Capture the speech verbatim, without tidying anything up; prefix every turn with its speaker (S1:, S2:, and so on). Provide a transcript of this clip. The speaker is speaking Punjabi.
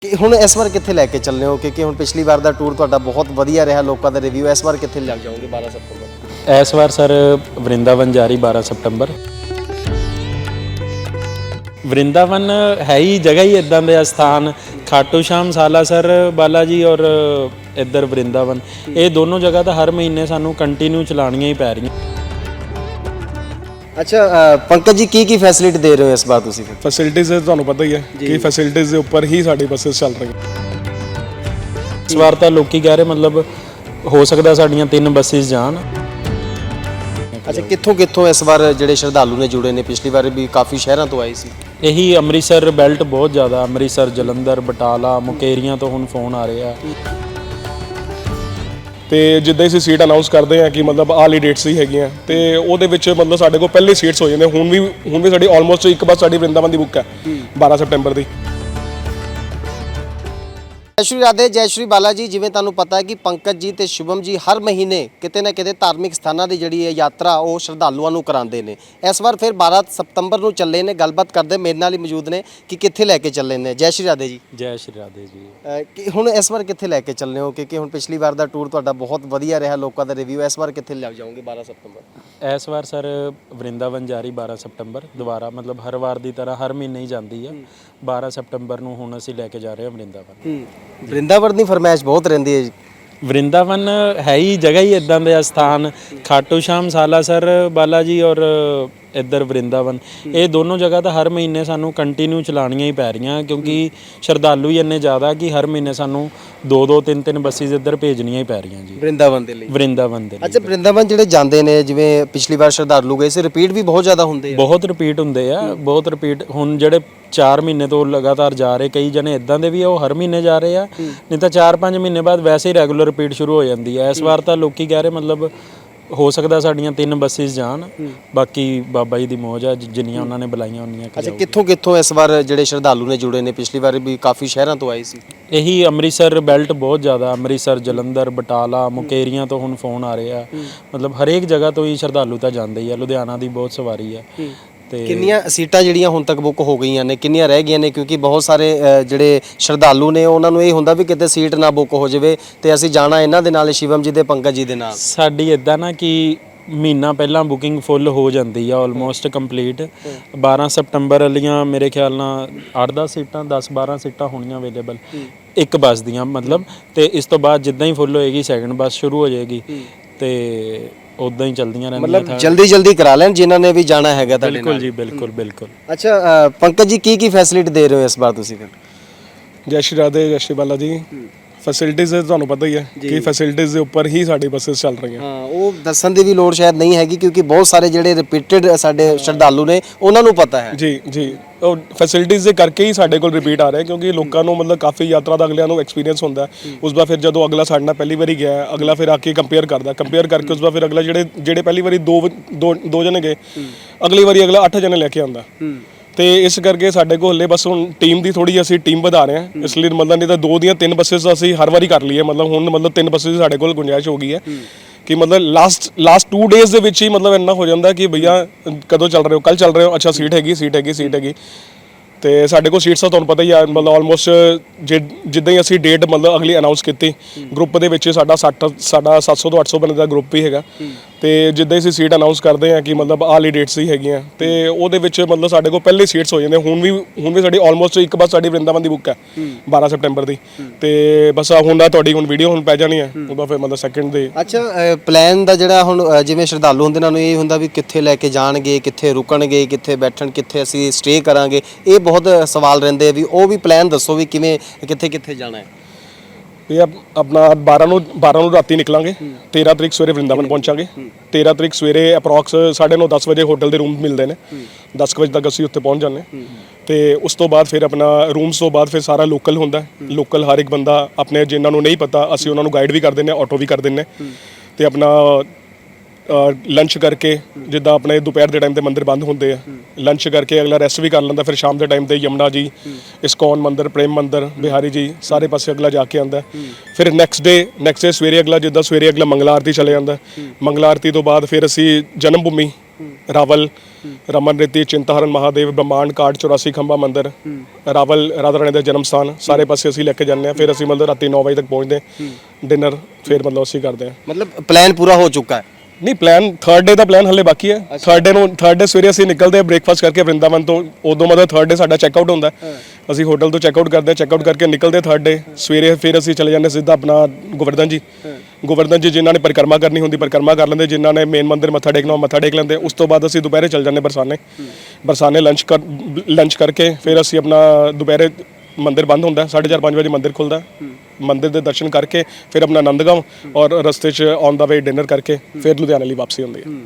S1: ਕਿ ਹੁਣ ਇਸ ਵਾਰ ਕਿੱਥੇ ਲੈ ਕੇ ਚੱਲਨੇ ਹੋ ਕਿਉਂਕਿ ਹੁਣ ਪਿਛਲੀ ਵਾਰ ਦਾ ਟੂਰ ਤੁਹਾਡਾ ਬਹੁਤ ਵਧੀਆ ਰਿਹਾ, ਲੋਕਾਂ ਦਾ ਰਿਵਿਊ। ਇਸ ਵਾਰ ਕਿੱਥੇ ਲੈ ਜਾਓਗੇ ਬਾਰਾਂ ਸਤੰਬਰ?
S2: ਇਸ ਵਾਰ ਸਰ ਵਰਿੰਦਾਵਨ ਜਾ ਰਹੀ ਬਾਰਾਂ ਸਤੰਬਰ। ਵਰਿੰਦਾਵਨ ਹੈ ਹੀ ਜਗ੍ਹਾ ਹੀ ਇਦਾਂ ਦੇ ਸਥਾਨ, ਖਾਟੂ ਸ਼ਾਮ, ਸਾਲਾਸਰ ਬਾਲਾ ਜੀ ਔਰ ਇੱਧਰ ਵਰਿੰਦਾਵਨ, ਇਹ ਦੋਨੋਂ ਜਗ੍ਹਾ ਤਾਂ ਹਰ ਮਹੀਨੇ ਸਾਨੂੰ ਕੰਟੀਨਿਊ ਚਲਾਉਣੀਆਂ ਹੀ ਪੈ ਰਹੀਆਂ।
S1: ਅੱਛਾ ਪੰਕਜ ਜੀ, ਕੀ ਕੀ ਫੈਸਿਲਿਟੀ ਦੇ ਰਹੇ ਹੋ ਇਸ ਵਾਰ ਤੁਸੀਂ? ਫਿਰ
S3: ਫੈਸਿਲਿਟੀਜ਼ ਤੁਹਾਨੂੰ ਪਤਾ ਹੀ ਹੈ ਕਿ ਫੈਸਿਲਿਟੀਜ਼ ਦੇ ਉੱਪਰ ਹੀ ਸਾਡੀ ਬੱਸਸ ਚੱਲ ਰਹੀਆਂ।
S2: ਇਸ ਵਾਰ ਤਾਂ ਲੋਕੀ ਕਹਿ ਰਹੇ ਮਤਲਬ ਹੋ ਸਕਦਾ ਸਾਡੀਆਂ ਤਿੰਨ ਬੱਸਿਸ ਜਾਣ।
S1: ਅੱਛਾ, ਕਿੱਥੋਂ ਕਿੱਥੋਂ ਇਸ ਵਾਰ ਜਿਹੜੇ ਸ਼ਰਧਾਲੂ ਨੇ ਜੁੜੇ ਨੇ? ਪਿਛਲੀ ਵਾਰ ਵੀ ਕਾਫੀ ਸ਼ਹਿਰਾਂ ਤੋਂ ਆਏ ਸੀ।
S2: ਇਹੀ ਅੰਮ੍ਰਿਤਸਰ ਬੈਲਟ ਬਹੁਤ ਜ਼ਿਆਦਾ, ਅੰਮ੍ਰਿਤਸਰ, ਜਲੰਧਰ, ਬਟਾਲਾ, ਮੁਕੇਰੀਆਂ ਤੋਂ ਹੁਣ ਫੋਨ ਆ ਰਹੇ ਆ।
S3: ਤੇ ਜਿੱਦਾਂ ਅਸੀਂ ਸੀਟ ਅਨਾਉਂਸ ਕਰਦੇ ਹਾਂ ਕਿ ਮਤਲਬ ਆਹ ਲਈ ਡੇਟਸ ਹੀ ਹੈਗੀਆਂ, ਤੇ ਉਹਦੇ ਵਿੱਚ ਮਤਲਬ ਸਾਡੇ ਕੋਲ ਪਹਿਲੇ ਸੀਟਸ ਹੋ ਜਾਂਦੇ। ਹੁਣ ਵੀ ਹੁਣ ਵੀ ਸਾਡੀ ਆਲਮੋਸਟ ਇੱਕ ਬੱਸ ਸਾਡੀ ਵਰਿੰਦਾਵਨ ਦੀ ਬੁੱਕ ਹੈ ਬਾਰਾਂ ਸਤੰਬਰ ਦੀ।
S1: ਜੈ ਸ਼੍ਰੀ ਰਾਧੇ, ਜੈ ਸ਼੍ਰੀ ਬਾਲਾ ਜੀ। ਜਿਵੇਂ ਤੁਹਾਨੂੰ ਪਤਾ ਹੈ ਕਿ ਪੰਕਜ ਜੀ ਤੇ ਸ਼ੁਭਮ ਜੀ ਹਰ ਮਹੀਨੇ ਕਿਤੇ ਨਾ ਕਿਤੇ ਧਾਰਮਿਕ ਸਥਾਨਾਂ ਦੀ ਜਿਹੜੀ ਹੈ ਯਾਤਰਾ ਉਹ ਸ਼ਰਧਾਲੂਆਂ ਨੂੰ ਕਰਾਉਂਦੇ ਨੇ। ਇਸ ਵਾਰ ਫਿਰ ਬਾਰਾਂ ਸਤੰਬਰ ਨੂੰ ਚੱਲੇ ਨੇ। ਗੱਲਬਾਤ ਕਰਦੇ ਮੇਰੇ ਨਾਲ ਹੀ ਮੌਜੂਦ ਨੇ ਕਿ ਕਿੱਥੇ ਲੈ ਕੇ ਚੱਲੇ ਨੇ। ਜੈ ਸ਼੍ਰੀ ਰਾਧੇ ਜੀ।
S2: ਜੈ ਸ਼੍ਰੀ ਰਾਧੇ ਜੀ।
S1: ਅਹ ਕਿ ਹੁਣ ਇਸ ਵਾਰ ਕਿੱਥੇ ਲੈ ਕੇ ਚੱਲਨੇ ਹੋ ਕਿਉਂਕਿ ਹੁਣ ਪਿਛਲੀ ਵਾਰ ਦਾ ਟੂਰ ਤੁਹਾਡਾ ਬਹੁਤ ਵਧੀਆ ਰਿਹਾ, ਲੋਕਾਂ ਦਾ ਰਿਵਿਊ। ਇਸ ਵਾਰ ਕਿੱਥੇ ਲੈ ਜਾਓਗੇ ਬਾਰਾਂ ਸਤੰਬਰ?
S2: ਇਸ ਵਾਰ ਸਰ ਵਰਿੰਦਾਵਨ ਜਾ ਰਹੀ ਬਾਰਾਂ ਸਤੰਬਰ ਦੁਬਾਰਾ, ਮਤਲਬ ਹਰ ਵਾਰ ਦੀ ਤਰ੍ਹਾਂ ਹਰ ਮਹੀਨੇ ਹੀ ਜਾਂਦੀ ਆ। ਬਾਰਾਂ ਸਤੰਬਰ ਨੂੰ ਹੁਣ ਅਸੀਂ ਲੈ ਕੇ ਜਾ ਰਹੇ ਹਾਂ ਵਰਿੰਦਾਵਨ।
S1: ਵਰਿੰਦਾਵਨ ਦੀ ਫਰਮਾਇਸ਼ ਬਹੁਤ ਰਹਿੰਦੀ ਹੈ ਜੀ।
S2: ਵਰਿੰਦਾਵਨ ਹੈ ਹੀ ਜਗ੍ਹਾ ਹੀ ਇਦਾਂ ਦੇ ਸਥਾਨ, ਖਾਟੂ ਸ਼ਾਮ, ਸਾਲਾਸਰ ਬਾਲਾ ਜੀ ਔਰ ਇੱਧਰ ਵਰਿੰਦਾਵਨ, ਇਹ ਦੋਨੋਂ ਜਗ੍ਹਾ ਤਾਂ ਹਰ ਮਹੀਨੇ ਸਾਨੂੰ ਕੰਟੀਨਿਊ ਚਲਾਉਣੀਆਂ ਹੀ ਪੈ ਰਹੀਆਂ ਕਿਉਂਕਿ ਸ਼ਰਧਾਲੂ ਹੀ ਇੰਨੇ ਜ਼ਿਆਦਾ ਕਿ ਹਰ ਮਹੀਨੇ ਸਾਨੂੰ ਦੋ ਦੋ ਤਿੰਨ ਤਿੰਨ ਬੱਸਿਸ ਇੱਧਰ ਭੇਜਣੀਆਂ ਹੀ ਪੈ ਰਹੀਆਂ ਜੀ
S1: ਵਰਿੰਦਾਵਨ ਦੇ ਲਈ।
S2: ਵਰਿੰਦਾਵਨ ਦੇ ਲਈ।
S1: ਅੱਛਾ, ਵਰਿੰਦਾਵਨ ਜਿਹੜੇ ਜਾਂਦੇ ਨੇ, ਜਿਵੇਂ ਪਿਛਲੀ ਵਾਰ ਸ਼ਰਧਾਲੂ ਗਏ ਸੀ, ਰਿਪੀਟ ਵੀ ਬਹੁਤ ਜ਼ਿਆਦਾ ਹੁੰਦੇ ਆ?
S2: ਬਹੁਤ ਰਿਪੀਟ ਹੁੰਦੇ ਆ, ਬਹੁਤ ਰਿਪੀਟ। ਹੁਣ ਜਿਹੜੇ ਚਾਰ ਮਹੀਨੇ ਤੋਂ ਲਗਾਤਾਰ ਜਾ ਰਹੇ, ਕਈ ਜਣੇ ਇਦਾਂ ਦੇ ਵੀ ਆ ਉਹ ਹਰ ਮਹੀਨੇ ਜਾ ਰਹੇ ਆ, ਨਹੀਂ ਤਾਂ ਚਾਰ ਪੰਜ ਮਹੀਨੇ ਬਾਅਦ ਵੈਸੇ ਹੀ ਰੈਗੂਲਰ ਰਿਪੀਟ ਸ਼ੁਰੂ ਹੋ ਜਾਂਦੀ ਹੈ। ਇਸ ਵਾਰ ਤਾਂ ਲੋਕੀ ਕਹਿ ਰਹੇ ਮਤਲਬ ਹੋ ਸਕਦਾ ਸਾਡੀਆਂ ਤਿੰਨ ਬੱਸਿਸ ਜਾਣ, ਬਾਕੀ ਬਾਬਾ ਜੀ ਦੀ ਮੌਜ ਆ, ਜਿੰਨੀਆਂ ਉਹਨਾਂ ਨੇ ਬੁਲਾਈਆਂ ਉਨੀਆਂ।
S1: ਅੱਛਾ, ਕਿੱਥੋਂ ਕਿੱਥੋਂ ਇਸ ਵਾਰ ਜਿਹੜੇ ਸ਼ਰਧਾਲੂ ਨੇ ਜੁੜੇ ਨੇ? ਪਿਛਲੀ ਵਾਰ ਵੀ ਕਾਫੀ ਸ਼ਹਿਰਾਂ ਤੋਂ ਆਏ ਸੀ।
S2: ਇਹੀ ਅੰਮ੍ਰਿਤਸਰ ਬੈਲਟ ਬਹੁਤ ਜ਼ਿਆਦਾ, ਅੰਮ੍ਰਿਤਸਰ, ਜਲੰਧਰ, ਬਟਾਲਾ, ਮੁਕੇਰੀਆਂ ਤੋਂ ਹੁਣ ਫੋਨ ਆ ਰਹੇ ਆ। ਮਤਲਬ ਹਰੇਕ ਜਗ੍ਹਾ ਤੋਂ ਹੀ ਸ਼ਰਧਾਲੂ ਤਾਂ ਜਾਂਦੇ ਹੀ ਆ। ਲੁਧਿਆਣਾ ਦੀ ਬਹੁਤ ਸਵਾਰੀ ਆ। ਤੇ
S1: ਕਿੰਨੀਆਂ ਸੀਟਾਂ ਜਿਹੜੀਆਂ ਹੁਣ ਤੱਕ ਬੁੱਕ ਹੋ ਗਈਆਂ ਨੇ, ਕਿੰਨੀਆਂ ਰਹਿ ਗਈਆਂ ਨੇ? ਕਿਉਂਕਿ ਬਹੁਤ ਸਾਰੇ ਅ, ਜਿਹੜੇ ਸ਼ਰਧਾਲੂ ਨੇ ਉਹਨਾਂ ਨੂੰ ਇਹ ਹੁੰਦਾ ਵੀ ਕਿਤੇ ਸੀਟ ਨਾ ਬੁੱਕ ਹੋ ਜਾਵੇ ਤੇ ਅਸੀਂ ਜਾਣਾ ਇਹਨਾਂ ਦੇ ਨਾਲ, ਸ਼ਿਵਮ ਜੀ ਦੇ, ਪੰਕਜ ਜੀ ਦੇ ਨਾਲ।
S2: ਸਾਡੀ ਇਦਾਂ ਨਾ ਕਿ ਮਹੀਨਾ ਪਹਿਲਾਂ ਬੁਕਿੰਗ ਫੁੱਲ ਹੋ ਜਾਂਦੀ ਆ, ਆਲਮੋਸਟ ਕੰਪਲੀਟ। ਬਾਰਾਂ ਸਤੰਬਰ ਵਾਲੀਆਂ ਮੇਰੇ ਖਿਆਲ ਨਾਲ ਅੱਠ ਦਸ ਸੀਟਾਂ, ਦਸ ਬਾਰਾਂ ਸੀਟਾਂ ਹੋਣੀਆਂ ਅਵੇਲੇਬਲ ਇੱਕ ਬੱਸ ਦੀਆਂ, ਮਤਲਬ। ਤੇ ਇਸ ਤੋਂ ਬਾਅਦ ਜਿੱਦਾਂ ਹੀ ਫੁੱਲ ਹੋਏਗੀ ਸੈਕਿੰਡ ਬੱਸ ਸ਼ੁਰੂ ਹੋ ਜਾਏਗੀ ਤੇ ਉਦਾਂ ਹੀ ਚੱਲਦੀਆਂ ਰਹਿੰਦੀਆਂ।
S1: ਮਤਲਬ ਜਲਦੀ ਜਲਦੀ ਕਰਾ ਲੈਣ ਜਿਨ੍ਹਾਂ ਨੇ ਵੀ ਜਾਣਾ ਹੈਗਾ ਤੁਹਾਡੇ ਨਾਲ।
S2: ਬਿਲਕੁਲ ਜੀ, ਬਿਲਕੁਲ ਬਿਲਕੁਲ।
S1: ਅੱਛਾ ਪੰਕਜ ਜੀ, ਕੀ ਕੀ ਫੈਸਿਲਿਟੀ ਦੇ ਰਹੇ ਹੋ ਇਸ ਵਾਰ ਤੁਸੀਂ ਫਿਰ?
S3: ਜੈ ਸ਼੍ਰੀ ਰਾਧੇ, ਜੈ ਸ਼੍ਰੀ ਬਾਲਾ ਜੀ। ਫੈਸਿਲਿਟੀਜ਼ ਤੁਹਾਨੂੰ ਪਤਾ ਹੀ ਹੈ ਕਿ ਫੈਸਿਲਿਟੀਜ਼ ਦੇ ਉੱਪਰ ਹੀ ਸਾਡੀ ਬੱਸਸ ਚੱਲ ਰਹੀਆਂ।
S1: ਹਾਂ, ਉਹ ਦੱਸਣ ਦੀ ਵੀ ਲੋੜ ਸ਼ਾਇਦ ਨਹੀਂ ਹੈਗੀ ਕਿਉਂਕਿ ਬਹੁਤ ਸਾਰੇ ਜਿਹੜੇ ਰਿਪੀਟਡ ਸਾਡੇ ਸ਼ਰਧਾਲੂ ਨੇ ਉਹਨਾਂ ਨੂੰ ਪਤਾ ਹੈ।
S3: ਜੀ ਜੀ, ਉਹ ਫੈਸਿਲਿਟੀਜ਼ ਦੇ ਕਰਕੇ ਹੀ ਸਾਡੇ ਕੋਲ ਰਿਪੀਟ ਆ ਰਿਹਾ ਕਿਉਂਕਿ ਲੋਕਾਂ ਨੂੰ ਮਤਲਬ ਕਾਫੀ ਯਾਤਰਾ ਦਾ ਅਗਲਿਆਂ ਨੂੰ ਐਕਸਪੀਰੀਅੰਸ ਹੁੰਦਾ। ਉਸ ਵਾਰ ਫਿਰ ਜਦੋਂ ਅਗਲਾ ਸਾਡੇ ਨਾਲ ਪਹਿਲੀ ਵਾਰੀ ਗਿਆ, ਅਗਲਾ ਫਿਰ ਆ ਕੇ ਕੰਪੇਅਰ ਕਰਦਾ, ਕੰਪੇਅਰ ਕਰਕੇ ਉਸ ਵਾਰ ਫਿਰ ਅਗਲਾ ਜਿਹੜੇ ਜਿਹੜੇ ਪਹਿਲੀ ਵਾਰੀ ਦੋ ਦੋ ਦੋ ਜਣੇ ਗਏ, ਅਗਲੀ ਵਾਰੀ ਅਗਲਾ ਅੱਠ ਜਣੇ ਲੈ ਕੇ ਆਉਂਦਾ। ਤੇ ਇਸ ਕਰਕੇ ਸਾਡੇ ਕੋਲ ਹਲੇ ਬਸ ਹੁਣ ਟੀਮ ਦੀ ਥੋੜੀ ਅਸੀਂ ਟੀਮ ਵਧਾ ਰਹੇ ਹਾਂ, ਇਸ ਲਈ ਮਤਲਬ ਨਹੀਂ ਤਾਂ ਦੋ ਦੀਆਂ ਤਿੰਨ ਬੱਸਿਸ ਅਸੀਂ ਹਰ ਵਾਰੀ ਕਰ ਲਈਏ। ਮਤਲਬ ਹੁਣ ਮਤਲਬ ਤਿੰਨ ਬੱਸਿਸ ਸਾਡੇ ਕੋਲ ਗੁੰਜਾਇਸ਼ ਹੋ ਗਈ ਹੈ ਕਿ ਮਤਲਬ ਲਾਸਟ ਲਾਸਟ ਟੂ ਡੇਜ਼ ਦੇ ਵਿੱਚ ਹੀ ਮਤਲਬ ਇੰਨਾ ਹੋ ਜਾਂਦਾ ਕਿ ਭਈਆ ਕਦੋਂ ਚੱਲ ਰਹੇ ਹੋ, ਕੱਲ ਚੱਲ ਰਹੇ ਹੋ, ਅੱਛਾ ਸੀਟ ਹੈਗੀ ਸੀਟ ਹੈਗੀ ਸੀਟ ਹੈਗੀ। ਤੇ ਸਾਡੇ ਕੋਲ ਸੀਟਸ ਤਾਂ ਤੁਹਾਨੂੰ ਪਤਾ ਹੀ ਆ, ਮਤਲਬ ਆਲਮੋਸਟ ਜਿੱਦਾਂ ਹੀ ਅਸੀਂ ਡੇਟ ਮਤਲਬ ਅਗਲੀ ਅਨਾਉਂਸ ਕੀਤੀ, ਗਰੁੱਪ ਦੇ ਵਿੱਚ ਸਾਡਾ ਸੱਠ ਸਾਡਾ ਸੱਤ ਸੌ ਤੋਂ ਅੱਠ ਸੌ ਬੰਦੇ ਦਾ ਗਰੁੱਪ ਹੀ ਹੈਗਾ। ਤੇ ਜਿੱਦਾਂ ਹੀ ਅਸੀਂ ਸੀਟ ਅਨਾਉਂਸ ਕਰਦੇ ਹਾਂ ਕਿ ਮਤਲਬ ਆਹ ਲਈ ਡੇਟਸ ਹੀ ਹੈਗੀਆਂ, ਤੇ ਉਹਦੇ ਵਿੱਚ ਮਤਲਬ ਸਾਡੇ ਕੋਲ ਪਹਿਲੇ ਸੀਟਸ ਹੋ ਜਾਂਦੇ। ਹੁਣ ਵੀ ਹੁਣ ਵੀ ਸਾਡੀ ਆਲਮੋਸਟ ਇੱਕ ਬੱਸ ਸਾਡੀ ਵਰਿੰਦਾਵਨ ਦੀ ਬੁੱਕ ਹੈ ਬਾਰਾਂ ਸਤੰਬਰ ਦੀ। ਤੇ ਬਸ ਹੁਣ ਦਾ ਤੁਹਾਡੀ ਹੁਣ ਵੀਡੀਓ ਹੁਣ ਪੈ ਜਾਣੀ ਹੈ, ਉਹਦਾ ਫਿਰ ਮਤਲਬ ਸੈਕਿੰਡ ਦੇ।
S1: ਅੱਛਾ, ਪਲਾਨ ਦਾ ਜਿਹੜਾ ਹੁਣ ਜਿਵੇਂ ਸ਼ਰਧਾਲੂ ਹੁੰਦੇ ਉਹਨਾਂ ਨੂੰ ਇਹ ਹੁੰਦਾ ਵੀ ਕਿੱਥੇ ਲੈ ਕੇ ਜਾਣਗੇ, ਕਿੱਥੇ ਰੁਕਣਗੇ, ਕਿੱਥੇ ਬੈਠਣ, ਕਿੱਥੇ ਅਸੀਂ ਸਟੇ ਕਰਾਂਗੇ, ਇਹ ਬਹੁਤ ਸਵਾਲ ਰਹਿੰਦੇ ਆ ਵੀ ਉਹ ਵੀ ਪਲਾਨ ਦੱਸੋ ਵੀ ਕਿਵੇਂ ਕਿੱਥੇ ਕਿੱਥੇ ਜਾਣਾ ਹੈ।
S3: ਇਹ ਆਪਣਾ ਬਾਰਾਂ ਨੂੰ ਬਾਰਾਂ ਨੂੰ ਰਾਤੀ ਨਿਕਲਾਂਗੇ, ਤੇਰਾਂ ਤਰੀਕ ਸਵੇਰੇ ਵਰਿੰਦਾਵਨ ਪਹੁੰਚਾਂਗੇ। ਤੇਰਾਂ ਤਰੀਕ ਸਵੇਰੇ ਅਪਰੋਕਸ ਸਾਢੇ ਨੌ ਦਸ ਵਜੇ ਹੋਟਲ ਦੇ ਰੂਮ ਮਿਲਦੇ ਨੇ, ਦਸ ਕੁ ਵਜੇ ਤੱਕ ਅਸੀਂ ਉੱਥੇ ਪਹੁੰਚ ਜਾਂਦੇ। ਤੇ ਉਸ ਤੋਂ ਬਾਅਦ ਫਿਰ ਆਪਣਾ ਰੂਮਸ ਤੋਂ ਬਾਅਦ ਫਿਰ ਸਾਰਾ ਲੋਕਲ ਹੁੰਦਾ। ਲੋਕਲ ਹਰ ਇੱਕ ਬੰਦਾ ਆਪਣੇ ਜਿਨ੍ਹਾਂ ਨੂੰ ਨਹੀਂ ਪਤਾ ਅਸੀਂ ਉਹਨਾਂ ਨੂੰ ਗਾਈਡ ਵੀ ਕਰ ਦਿੰਦੇ ਹਾਂ, ਆਟੋ ਵੀ ਕਰ ਦਿੰਦੇ। ਤੇ ਆਪਣਾ ਲੰਚ ਕਰਕੇ, ਜਿੱਦਾਂ ਆਪਣੇ ਦੁਪਹਿਰ ਦੇ ਟਾਈਮ ਤੇ ਮੰਦਿਰ ਬੰਦ ਹੁੰਦੇ ਆ, ਲੰਚ ਕਰਕੇ ਅਗਲਾ ਰੈਸਟ ਵੀ ਕਰ ਲੈਂਦਾ। ਫਿਰ ਸ਼ਾਮ ਦੇ ਟਾਈਮ ਤੇ ਯਮੁਨਾ ਜੀ, ਇਸਕੌਨ ਮੰਦਿਰ, ਪ੍ਰੇਮ ਮੰਦਿਰ, ਬਿਹਾਰੀ ਜੀ, ਸਾਰੇ ਪਾਸੇ ਅਗਲਾ ਜਾ ਕੇ ਆਉਂਦਾ। ਫਿਰ ਨੈਕਸਟ ਡੇ ਨੈਕਸਟ ਡੇ ਸਵੇਰੇ ਅਗਲਾ ਜਿੱਦਾਂ ਸਵੇਰੇ ਅਗਲਾ ਮੰਗਲਾ ਆਰਤੀ ਚਲੇ ਜਾਂਦਾ। ਮੰਗਲਾ ਆਰਤੀ ਤੋਂ ਬਾਅਦ ਫਿਰ ਅਸੀਂ ਜਨਮ ਭੂਮੀ ਰਾਵਲ ਰਮਨ ਰਿਤੀ ਚਿੰਤਾਹਰਨ ਮਹਾਦੇਵ ਬ੍ਰਹਮਾਂਡ ਕਾਰਡ ਚੁਰਾਸੀ ਖੰਭਾ ਮੰਦਿਰ ਰਾਵਲ ਰਾਧਾ ਰਾਣੀ ਦਾ ਜਨਮ ਸਥਾਨ ਸਾਰੇ ਪਾਸੇ ਅਸੀਂ ਲੈ ਕੇ ਜਾਂਦੇ ਹਾਂ। ਫਿਰ ਅਸੀਂ ਮਤਲਬ ਰਾਤੀ ਨੌ ਵਜੇ ਤੱਕ ਪਹੁੰਚਦੇ ਡਿਨਰ ਫਿਰ ਮਤਲਬ ਅਸੀਂ ਕਰਦੇ ਹਾਂ।
S1: ਮਤਲਬ ਪਲਾਨ ਪੂਰਾ ਹੋ ਚੁੱਕਾ ਹੈ।
S3: ਨਹੀਂ ਪਲਾਨ ਥਰਡ ਡੇ ਦਾ ਪਲਾਨ ਹਲੇ ਬਾਕੀ ਹੈ। ਥਰਡ ਡੇ ਨੂੰ ਥਰਡ ਡੇ ਸਵੇਰੇ ਅਸੀਂ ਨਿਕਲਦੇ ਹਾਂ ਬ੍ਰੇਕਫਾਸਟ ਕਰਕੇ ਵਰਿੰਦਾਵਨ ਤੋਂ। ਉਦੋਂ ਮਤਲਬ ਥਰਡ ਡੇ ਸਾਡਾ ਚੈੱਕ ਆਊਟ ਹੁੰਦਾ ਹੈ। ਅਸੀਂ ਹੋਟਲ ਤੋਂ ਚੈੱਕ ਆਊਟ ਕਰਦੇ ਹਾਂ, ਚੈੱਕ ਆਊਟ ਕਰਕੇ ਨਿਕਲਦੇ ਥਰਡ ਡੇ ਸਵੇਰੇ। ਫਿਰ ਅਸੀਂ ਚਲੇ ਜਾਂਦੇ ਸਿੱਧਾ ਆਪਣਾ ਗੋਵਰਧਨ ਜੀ। ਗੋਵਰਧਨ ਜੀ ਜਿਨ੍ਹਾਂ ਨੇ ਪਰਿਕਰਮਾ ਕਰਨੀ ਹੁੰਦੀ ਪਰਿਕਰਮਾ ਕਰ ਲੈਂਦੇ, ਜਿਨ੍ਹਾਂ ਨੇ ਮੇਨ ਮੰਦਿਰ ਮੱਥਾ ਟੇਕਣਾ ਉਹ ਮੱਥਾ ਟੇਕ ਲੈਂਦੇ। ਉਸ ਤੋਂ ਬਾਅਦ ਅਸੀਂ ਦੁਪਹਿਰੇ ਚਲ ਜਾਂਦੇ ਬਰਸਾਨੇ। ਬਰਸਾਨੇ ਲੰਚ ਕਰ ਲੰਚ ਕਰਕੇ ਫਿਰ ਅਸੀਂ ਆਪਣਾ ਦੁਪਹਿਰੇ ਮੰਦਿਰ ਬੰਦ ਹੁੰਦਾ ਸਾਢੇ ਚਾਰ ਪੰਜ ਵਜੇ ਮੰਦਿਰ ਖੁੱਲਦਾ। ਮੰਦਿਰ ਦੇ ਦਰਸ਼ਨ ਕਰਕੇ ਫਿਰ ਆਪਣਾ ਆਨੰਦਗਾਂਵ ਔਰ ਰਸਤੇ 'ਚ ਔਨ ਦਾ ਵੇ ਡਿਨਰ ਕਰਕੇ ਫਿਰ ਲੁਧਿਆਣੇ ਲਈ ਵਾਪਸੀ ਹੁੰਦੀ ਹੈ।